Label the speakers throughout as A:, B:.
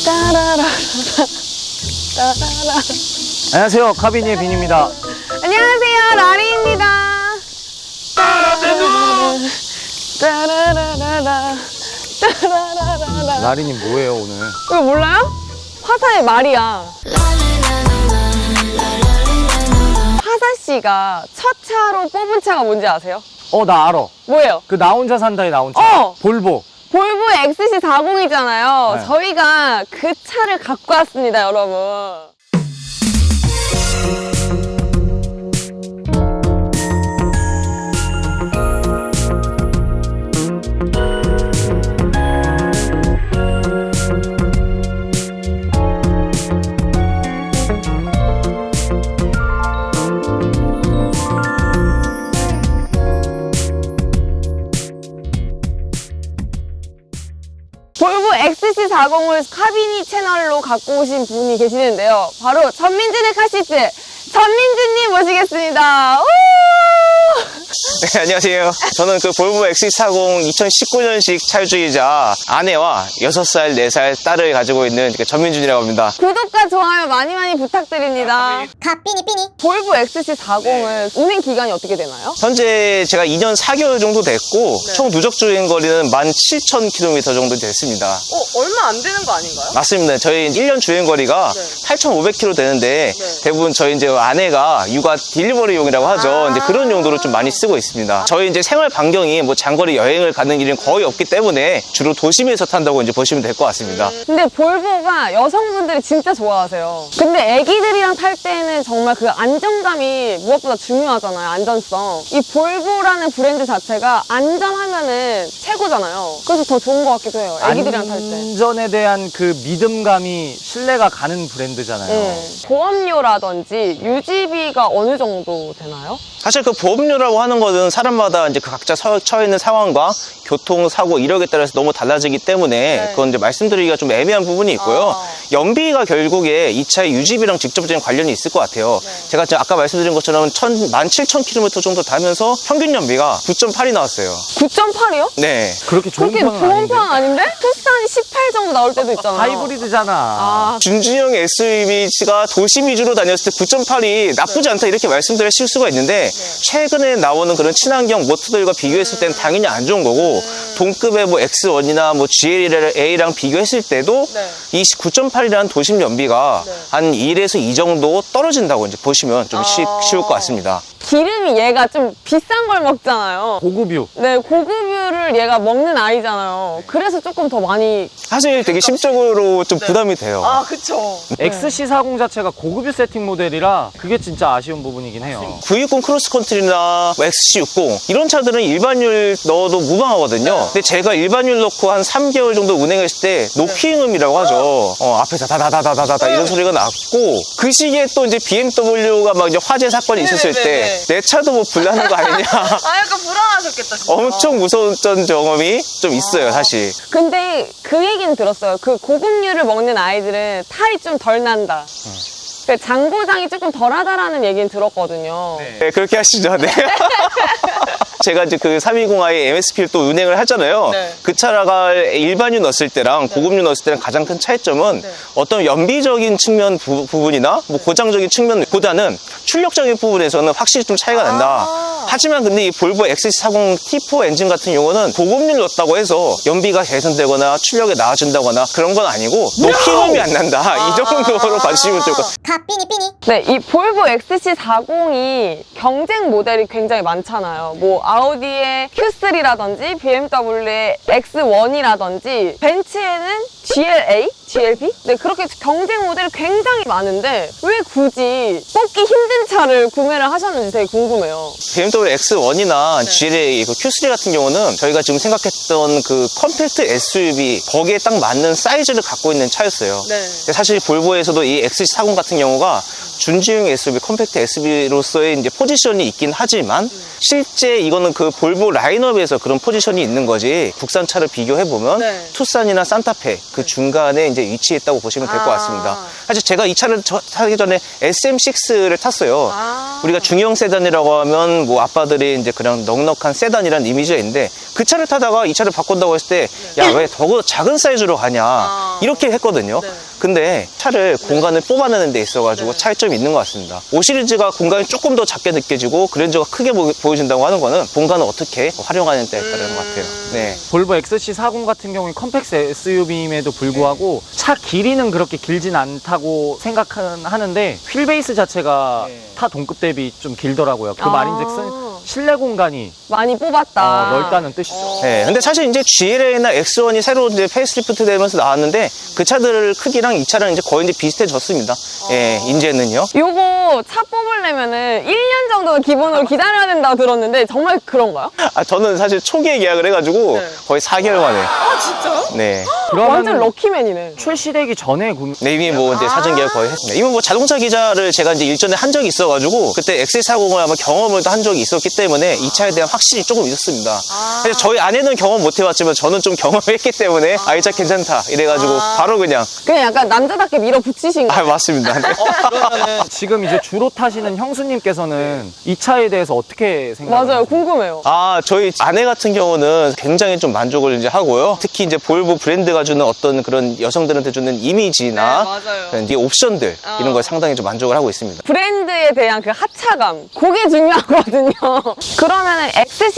A: 따라라 따라라.
B: 안녕하세요, 카비니의 빈입니다.
A: 안녕하세요, 라리입니다. 따라라라라 따라라라라.
B: 라리님 뭐예요 오늘?
A: 이거 몰라요? 화사의 말이야. 화사 씨가 첫 차로 뽑은 차가 뭔지 아세요?
B: 나 알아.
A: 뭐예요?
B: 그 나 혼자 산다에 나온 차. 볼보.
A: 볼보 XC40이잖아요.
B: 네.
A: 저희가 그 차를 갖고 왔습니다, 여러분. 볼보 XC40을 카비니 채널로 갖고 오신 분이 계시는데요. 바로 전민준의 카시트 전민준님 모시겠습니다. 우!
C: 네, 안녕하세요. 저는 그 볼보 XC40 2019년식 차주이자 아내와 6살, 4살 딸을 가지고 있는 그 전민준이라고 합니다.
A: 구독과 좋아요 많이 많이 부탁드립니다. 볼보 XC40은 운행 기간이 어떻게 되나요?
C: 현재 제가 2년 4개월 정도 됐고 총 누적 주행 거리는 17,000km 정도 됐습니다.
A: 얼마 안 되는 거 아닌가요?
C: 맞습니다. 저희 1년 주행 거리가 8,500km 되는데 대부분 저희 이제 아내가 육아 딜리버리용이라고 하죠. 이제 그런 용도로 좀 많이 쓰고 있습니다. 저희 이제 생활 반경이 뭐 장거리 여행을 가는 일은 거의 없기 때문에 주로 도심에서 탄다고 이제 보시면 될 것 같습니다.
A: 근데 볼보가 여성분들이 진짜 좋아하세요. 근데 애기들이랑 탈 때는 정말 그 안정감이 무엇보다 중요하잖아요. 안전성. 이 볼보라는 브랜드 자체가 안전하면은 최고잖아요. 그래서 더 좋은 것 같기도 해요. 애기들이랑 탈 때.
B: 안전에 대한 그 믿음감이 신뢰가 가는 브랜드잖아요.
A: 보험료라든지 유지비가 어느 정도 되나요?
C: 사실 그 보험료라고 하는 것은 사람마다 이제 그 각자 처해 있는 상황과 교통, 사고, 이력에 따라서 너무 달라지기 때문에 그건 이제 말씀드리기가 좀 애매한 부분이 있고요. 연비가 결국에 이 차의 유지비랑 직접적인 관련이 있을 것 같아요. 제가 아까 말씀드린 것처럼 17,000km 정도 타면서 평균 연비가 9.8이 나왔어요.
A: 9.8이요?
C: 네.
B: 그렇게 좋은
A: 그렇게
B: 편은
A: 좋은
B: 아닌데?
A: 편 아닌데? 투싼이 18 정도 나올 때도 있잖아요.
B: 하이브리드잖아.
C: 준준형 SUV가 도심 위주로 다녔을 때 9.8이 나쁘지 않다 이렇게 말씀드릴 수가 있는데 최근에 나오는 그런 친환경 모터들과 비교했을 때는 당연히 안 좋은 거고 동급의 뭐 X1이나 뭐 GLA랑 비교했을 때도 이 9.8이라는 도심 연비가 한 1에서 2 정도 떨어진다고 이제 보시면 좀 쉬울 것 같습니다.
A: 기름이 얘가 좀 비싼 걸 먹잖아요.
B: 고급유.
A: 네, 고급유를 얘가 먹는 아이잖아요. 그래서 조금 더 많이.
C: 사실 되게 심적으로 좀 부담이 돼요.
A: 그쵸.
B: XC40 자체가 고급유 세팅 모델이라 그게 진짜 아쉬운 부분이긴 해요.
C: 920 크로스컨트리나 XC60 이런 차들은 일반율 넣어도 무방하거든요. 근데 제가 일반율 넣고 한 3개월 정도 운행했을 때 노키음이라고 하죠. 앞에서 다다다다다다 이런 소리가 났고 그 시기에 또 이제 BMW가 막 이제 화재 사건이 있었을 때 내 차도 뭐 불나는 거 아니냐.
A: 약간 불안하셨겠다, 진짜.
C: 엄청 무서웠던 경험이 좀 있어요, 사실.
A: 근데 그 얘기는 들었어요. 그 고급유를 먹는 아이들은 탈이 좀 덜 난다. 그 장고장이 조금 덜 하다라는 얘기는 들었거든요.
C: 네, 그렇게 하시죠. 네. 제가 이제 그 320i MSP를 또 운행을 하잖아요. 그 차가 일반유 넣었을 때랑 고급유 넣었을 때랑 가장 큰 차이점은 어떤 연비적인 측면 부분이나 뭐 고장적인 측면보다는 출력적인 부분에서는 확실히 좀 차이가 난다. 하지만 근데 이 볼보 XC40 T4 엔진 같은 경우는 고급유를 넣었다고 해서 연비가 개선되거나 출력이 나아진다거나 그런 건 아니고 노키음이 안 난다. 이 정도로 봐주시면 좋을 것 같아요.
A: 네, 이 볼보 XC40이 경쟁 모델이 굉장히 많잖아요. 뭐 아우디의 Q3라든지 BMW의 X1이라든지 벤츠에는 GLA? GLB? 네, 그렇게 경쟁 모델이 굉장히 많은데 왜 굳이 뽑기 힘든 차를 구매를 하셨는지 되게 궁금해요.
C: BMW X1이나 GLA, 그 Q3 같은 경우는 저희가 지금 생각했던 그 컴팩트 SUV 거기에 딱 맞는 사이즈를 갖고 있는 차였어요. 근데 사실 볼보에서도 이 XC40 같은 경우가 준지형 SUV, 컴팩트 SUV로서의 이제 포지션이 있긴 하지만 실제 이거는 그 볼보 라인업에서 그런 포지션이 있는 거지 국산차를 비교해보면 투싼이나 산타페 그 중간에 이제 위치했다고 보시면 될 것 같습니다. 사실 제가 이 차를 타기 전에 SM6를 탔어요. 우리가 중형 세단이라고 하면 뭐 아빠들이 이제 그냥 넉넉한 세단이라는 이미지가 있는데 그 차를 타다가 이 차를 바꾼다고 했을 때 야, 왜 더 작은 사이즈로 가냐 이렇게 했거든요. 근데 차를 공간을 뽑아내는 데 있어가지고 차이점이 있는 것 같습니다. 5 시리즈가 공간이 조금 더 작게 느껴지고 그랜저가 크게 보여진다고 하는 거는 공간을 어떻게 활용하는 데에 따른 것 같아요. 네.
B: 볼보 XC40 같은 경우는 컴팩트 SUV임에도 불구하고 차 길이는 그렇게 길진 않다고 생각하는데 휠 베이스 자체가 타 동급 대비 좀 길더라고요. 그 말인즉슨 실내 공간이
A: 많이 뽑았다.
B: 넓다는 뜻이죠.
C: 네, 근데 사실 이제 GLA나 X1이 새로 이제 페이스리프트 되면서 나왔는데 그 차들 크기랑 이 차랑 이제 거의 이제 비슷해졌습니다. 예, 이제는요.
A: 요거 차 뽑으려면은 1년 정도는 기본으로 기다려야 된다고 들었는데 정말 그런가요?
C: 아, 저는 사실 초기에 계약을 해가지고 거의 4개월 만에.
A: 진짜요?
C: 네.
A: 완전 럭키맨이네.
B: 출시되기 전에
C: 네, 이미 뭐 이제 사전 계약 거의 했습니다. 이미 뭐 자동차 기자를 제가 이제 일전에 한 적이 있어가지고 그때 XC40을 아마 경험을 한 적이 있었기 때문에 이 차에 대한 확신이 조금 있었습니다. 사실 저희 아내는 경험 못 해봤지만 저는 좀 경험했기 때문에 이 차 괜찮다 이래가지고 바로 그냥.
A: 그냥 약간 남자답게 밀어붙이신 거예요.
C: 맞습니다. 네.
B: 그러면은 지금 이제 주로 타시는 형수님께서는 이 차에 대해서 어떻게 생각하세요?
A: 맞아요. 궁금해요.
C: 저희 아내 같은 경우는 굉장히 좀 만족을 이제 하고요. 특히 이제 볼보 브랜드가 주는 어떤 그런 여성들한테 주는 이미지나 그런 이 옵션들 이런 거에 상당히 좀 만족을 하고 있습니다.
A: 브랜드에 대한 그 하차감, 그게 중요하거든요. 그러면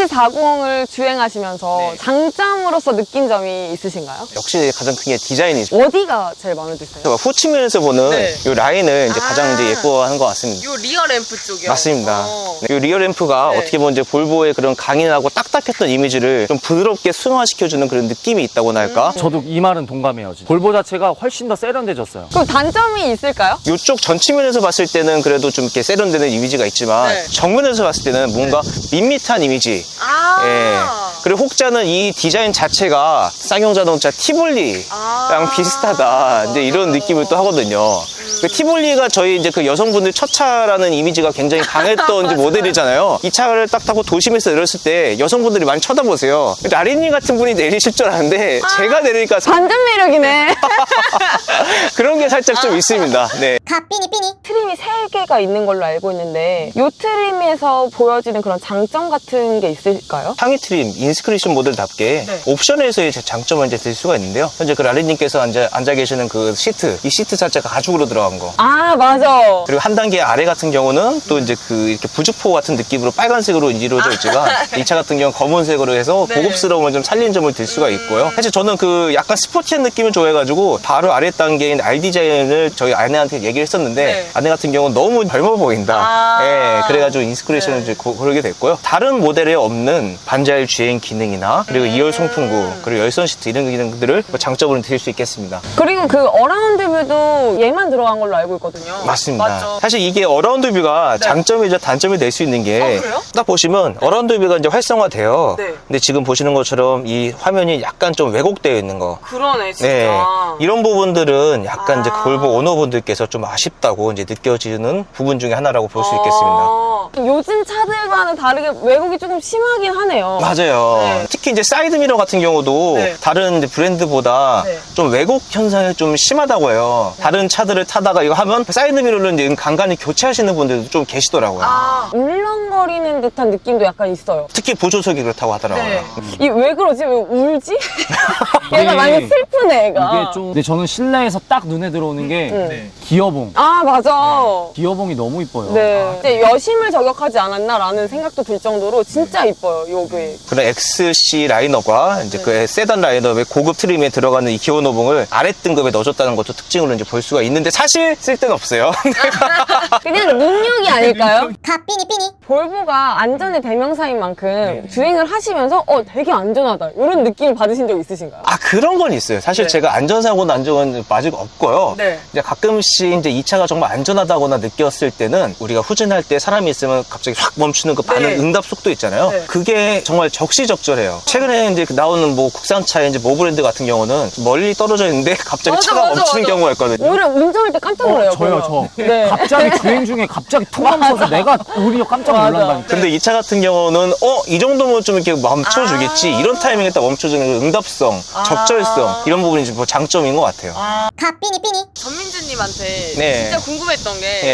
A: XC40을 주행하시면서 장점으로서 느낀 점이 있으신가요?
C: 역시 가장 큰 게 디자인이죠.
A: 어디가 제일 마음에 드세요?
C: 후 측면에서 보는 이 라인을 이제 가장 이제 예뻐하는 것 같습니다.
A: 요 리어 램프 쪽이요?
C: 맞습니다. 이 리어 램프가 어떻게 보면 이제 볼보의 그런 강인하고 딱딱했던 이미지를 좀 부드럽게 승화시켜주는 그런 느낌이 있다고나 할까?
B: 저도 이 말은 동감해요. 진짜. 볼보 자체가 훨씬 더 세련돼졌어요.
A: 그럼 단점이 있을까요?
C: 이쪽 전치면에서 봤을 때는 그래도 좀 이렇게 세련되는 이미지가 있지만 정면에서 봤을 때는 뭔가 밋밋한 이미지. 예. 그리고 혹자는 이 디자인 자체가 쌍용 자동차 티볼리랑 비슷하다. 이제 이런 느낌을 또 하거든요. 그 티볼리가 저희 이제 그 여성분들 첫 차라는 이미지가 굉장히 강했던 이제 모델이잖아요. 이 차를 딱 타고 도심에서 내렸을 때 여성분들이 많이 쳐다보세요. 라린님 같은 분이 내리실 줄 아는데 제가 내리니까
A: 반전 매력이네.
C: 그런 게 살짝 좀 있습니다. 네.
A: 트림이 3개가 있는 걸로 알고 있는데 이 트림에서 보여지는 그런 장점 같은 게 있을까요?
C: 상위 트림, 인스크리션 모델답게 옵션에서의 장점을 이제 들 수가 있는데요. 현재 그 라린님께서 앉아 계시는 그 시트, 이 시트 자체가 가죽으로 들어간 거.
A: 아, 맞아.
C: 그리고 한 단계 아래 같은 경우는 또 이제 그 이렇게 부직포 같은 느낌으로 빨간색으로 이루어져 있지만 이 차 같은 경우는 검은색으로 해서 고급스러움을 좀 살린 점을 들 수가 있고요. 사실 저는 그 약간 스포티한 느낌을 좋아해가지고 바로 아래 단계인 R 디자인을 저희 아내한테 얘기를 했었는데 아내 같은 경우는 너무 젊어 보인다. 예, 그래가지고 인스크리션을 이제 고르게 됐고요. 다른 모델에 없는 반자율 주행 기능이나 그리고 2열 송풍구 그리고 열선 시트 이런 기능들을 장점으로 드릴 수 있겠습니다.
A: 그리고 그 어라운드 뷰도 얘만 들어간 걸로 알고 있거든요.
C: 맞습니다.
A: 맞죠?
C: 사실 이게 어라운드 뷰가 장점이자 단점이 될 수 있는 게 딱 보시면 어라운드 뷰가 이제 활성화돼요. 근데 지금 보시는 것처럼 이 화면이 약간 좀 왜곡되어 있는 거.
A: 그러네, 진짜.
C: 네. 이런 부분들은 약간 이제 볼보 오너분들께서 좀 아쉽다고 이제 느껴지는 부분 중에 하나라고 볼 수 있겠습니다.
A: 요즘 차들과는 다르게 왜곡이 조금 심하긴 하네요.
C: 맞아요. 특히 이제 사이드미러 같은 경우도 다른 이제 브랜드보다 좀 왜곡 현상이 좀 심하다고 해요. 다른 차들을 타다가 이거 하면 사이드미러를 이제 간간히 교체하시는 분들도 좀 계시더라고요.
A: 울렁거리는 듯한 느낌도 약간 있어요.
C: 특히 보조석이 그렇다고 하더라고요.
A: 이 왜 그러지? 왜 울지? 얘가 많이 슬프네, 애가.
B: 이게 좀 근데 저는 실내에서 딱 눈에 들어오는 게 기어봉.
A: 아, 맞아.
B: 기어봉이 너무 이뻐요.
A: 네. 이제 여심을 저격하지 않았나라는 생각도 들 정도로 진짜 이뻐요, 요게.
C: 그런 XC 라인업과 이제 그 세단 라인업의 고급 트림에 들어가는 이 기어노봉을 아래 등급에 넣어줬다는 것도 특징으로 이제 볼 수가 있는데 사실 쓸데는 없어요.
A: 그냥 능력이 아닐까요? 볼보가 안전의 대명사인 만큼 주행을 하시면서 되게 안전하다 이런 느낌을 받으신 적 있으신가요?
C: 그런 건 있어요. 사실 제가 안전사고 난 적은 아직 없고요. 이제 가끔씩 이제 이 차가 정말 안전하다거나 느꼈을 때는 우리가 후진할 때 사람이 있으면 갑자기 확 멈추는 그 반응 응답 속도 있잖아요. 그게 정말 적시적절해요. 최근에 이제 나오는 뭐 국산차의 이제 모 브랜드 같은 경우는 멀리 떨어져 있는데 갑자기 차가 멈추는 경우가 있거든요.
A: 오히려 운전할 때 깜짝 놀라요.
B: 저요.
A: 네.
B: 갑자기 주행 중에 갑자기 툭 멈춰서 내가 오히려 깜짝 놀란다니까.
C: 근데 이 차 같은 경우는 이 정도면 좀 이렇게 멈춰주겠지. 이런 타이밍에 딱 멈춰주는 그 응답성, 적절성 이런 부분이 좀 장점인 것 같아요.
A: 전민주님한테
C: 네.
A: 진짜 궁금했던 게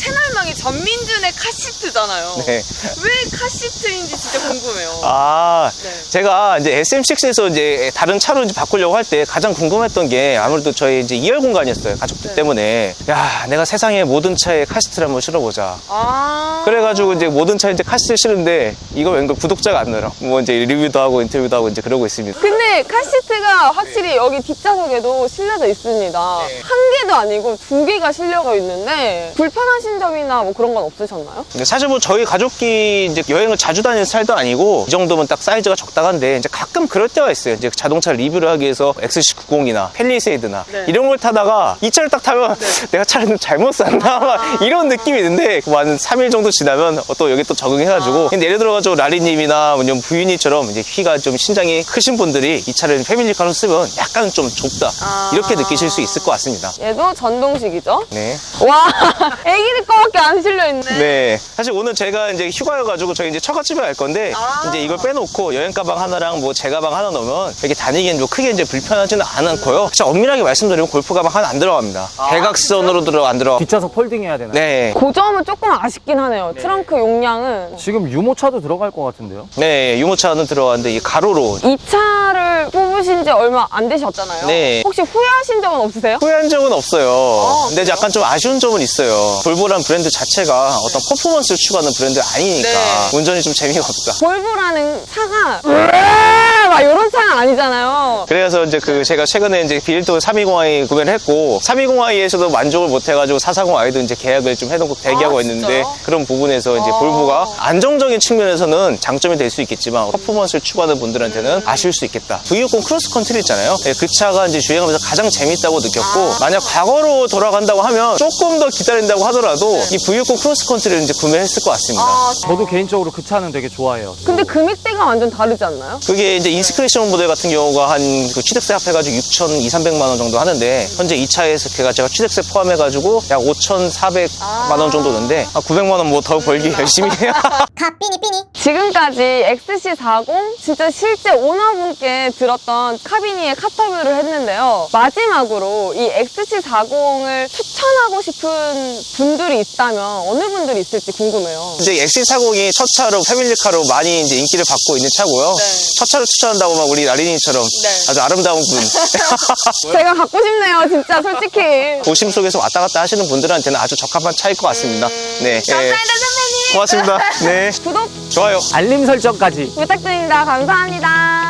A: 채널명이 전민준의 카시트잖아요.
C: 네.
A: 왜 카시트인지 진짜 궁금해요.
C: 아,
A: 네.
C: 제가 이제 SM6에서 이제 다른 차로 이제 바꾸려고 할 때 가장 궁금했던 게 아무래도 저희 이제 2열 공간이었어요. 가족들
A: 네.
C: 때문에. 야, 내가 세상의 모든 차에 카시트를 한번 실어보자.
A: 아.
C: 그래가지고 이제 모든 차에 이제 카시트를 실은데 이거 왠가 구독자가 안 늘어. 뭐 이제 리뷰도 하고 인터뷰도 하고 이제 그러고 있습니다.
A: 근데 카시트가 확실히 여기 뒷좌석에도 실려져 있습니다.
C: 네.
A: 한 개도 아니고 2개가 실려가 있는데 불편하신 점이나 뭐 그런 건 없으셨나요?
C: 근데 사실 뭐 저희 가족끼리 이제 여행을 자주 다니는 스타일도 아니고 이 정도면 딱 사이즈가 적당한데 이제 가끔 그럴 때가 있어요. 이제 자동차 리뷰를 하기 위해서 XC90이나 팰리세이드나
A: 네.
C: 이런 걸 타다가 이 차를 딱 타면 내가 차를 좀 잘못 샀나 막 이런 느낌이 있는데 한 3일 정도 지나면 또 여기 또 적응해가지고 근데 예를 들어가지고 라리님이나 아니면 부인이처럼 이제 키가 좀 신장이 크신 분들이 이 차를 패밀리카로 쓰면 약간 좀 좁다 이렇게 느끼실 수 있을 것 같습니다.
A: 얘도 전동식이죠?
C: 네.
A: 와, 애기들 거밖에 안 실려있네.
C: 네. 사실 오늘 제가 이제 휴가여가지고 저희 이제 처갓집에 갈 건데 이제 이걸 빼놓고 여행 가방 하나랑 뭐 제 가방 하나 넣으면 이렇게 다니기엔 뭐 크게 이제 불편하지는 않고요. 진짜 엄밀하게 말씀드리면 골프 가방 하나 안 들어갑니다. 대각선으로 안 들어가.
B: 뒷좌석 폴딩해야 되나요?
C: 네.
A: 그 점은 조금 아쉽긴 하네요. 트렁크 용량은.
B: 지금 유모차도 들어갈 것 같은데요?
C: 네. 유모차는 들어갔는데 이 가로로.
A: 이 차를 뽑으신 지 얼마 안 되셨잖아요.
C: 네.
A: 혹시 후회하신 적은 없으세요?
C: 후회한 적은 없어요. 근데
A: 그래요?
C: 약간 좀 아쉬운 점은 있어요. 볼보란 브랜드 자체가 어떤 퍼포먼스를 추구하는 브랜드 아니니까
A: 네.
C: 운전이 좀 재미가 없다.
A: 볼보라는 차가 막 이런 차가 아니잖아요.
C: 그래서 이제 제가 최근에 이제 빌도 320i 구매를 했고 320i에서도 만족을 못 해가지고 440i도 이제 계약을 좀 해놓고 대기하고 있는데
A: 진짜요?
C: 그런 부분에서 이제 볼보가 안정적인 측면에서는 장점이 될 수 있겠지만 퍼포먼스를 추구하는 분들한테는 아쉬울 수 있겠다. V60 크로스컨트리 있잖아요. 네, 그 차가 이제 주행하면서 가장 재밌다고 느꼈고 만약 과거로 돌아간다고 하면 조금 더 기다린다고 하더라도 이 V60 크로스컨트리를 이제 구매했을 것 같습니다.
B: 저도 개인적으로 그 차는 되게 좋아해요.
A: 근데 금액대가 완전 다르지 않나요?
C: 그게 이제 인스크리션 모델 같은 경우가 한 그 취득세 합해가지고 6,200~300만 원 정도 하는데 현재 이 차에서 제가 취득세 포함해가지고 약 5,400만 원 정도 드는데 900만 원 뭐 더 벌기 열심히 해요.
A: 지금까지 XC40 진짜 실제 오너분께 들었던 카비니의 카터뷰를 했는데요. 마지막으로 이 XC40을 추천하고 싶은 분들이 있다면 어느 분들이 있을지 궁금해요.
C: 이제 XC40이 첫 차로 패밀리카로 많이 이제 인기를 받고 있는 차고요.
A: 네.
C: 첫 차를 추천한다고 막 우리 라리니처럼
A: 네.
C: 아주 아름다운 분.
A: 제가 갖고 싶네요, 진짜 솔직히.
C: 도심 속에서 왔다 갔다 하시는 분들한테는 아주 적합한 차일 것 같습니다. 네.
A: 감사합니다, 선배님.
C: 고맙습니다. 네.
A: 구독
C: 좋아요.
B: 알림 설정까지.
A: 부탁드립니다. 감사합니다.